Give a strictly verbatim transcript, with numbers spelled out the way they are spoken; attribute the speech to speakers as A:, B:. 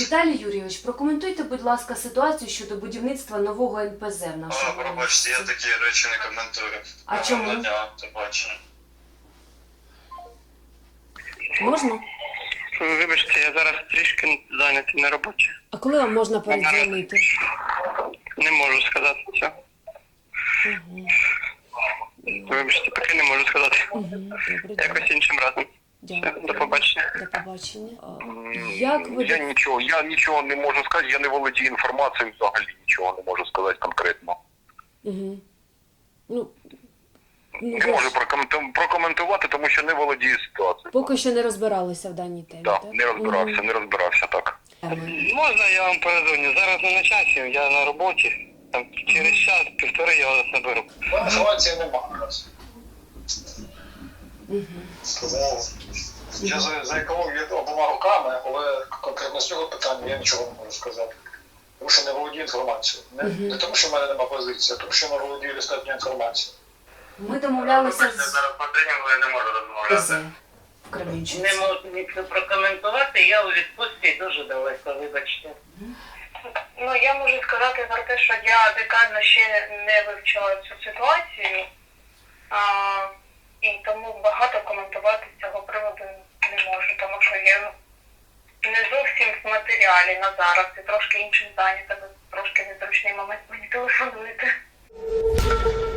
A: Віталій Юрійович, прокоментуйте, будь ласка, ситуацію щодо будівництва нового ен пе зе в нашому
B: О, пробачте, я
A: місті.
B: такі речі не коментую.
A: А чому?
B: Гарного дня, до побачення.
A: Можна?
C: Вибачте, я зараз трішки зайнятий на роботі.
A: А коли вам можна передзвонити?
C: Не можу сказати цього.
A: Угу.
C: Вибачте, поки не можу сказати.
A: Угу. Добре, добре.
C: Якось іншим разом.
A: Дякую.
C: До побачення.
A: До побачення. А, Як ви...
D: Я нічого, я нічого не можу сказати, я не володію інформацією взагалі, нічого не можу сказати конкретно.
A: Угу. Ну, ну,
D: Не
A: ви
D: можу
A: ж
D: прокоменту- прокоментувати, тому що не володію ситуацією.
A: поки що не розбиралися в даній темі,
D: Так,
A: так?
D: не розбирався,
A: Мгм.
D: не розбирався, так.
A: Ага.
C: Можна я вам передзвоню? Зараз не на часі, я на роботі. Там через час, півтори я вас наберу.
B: Інформації немає.
A: Угу.
B: Сказав. Я за, за екологію обома руками, але конкретно з цього питання я нічого не можу сказати. Тому що не володію інформацією. Не,
A: Мгм.
B: не тому, що в мене немає позиції, а тому, що я не володію достатньо інформацією.
A: Ми домовлялися
C: Вибачте,
A: з
C: зараз потрібно, я не можу розмовляти.
A: ПЗ в Кременчуці.
E: Не можу нічого прокоментувати, я у відпустці дуже далеко, вибачте. Ну, я можу сказати про те, що я детально ще не вивчила цю ситуацію, а, і тому багато коментувати з цього приводу не можу, тому що я не зовсім в матеріалі на зараз і трошки іншим зайнята, трошки незручний момент мені телефонуєте.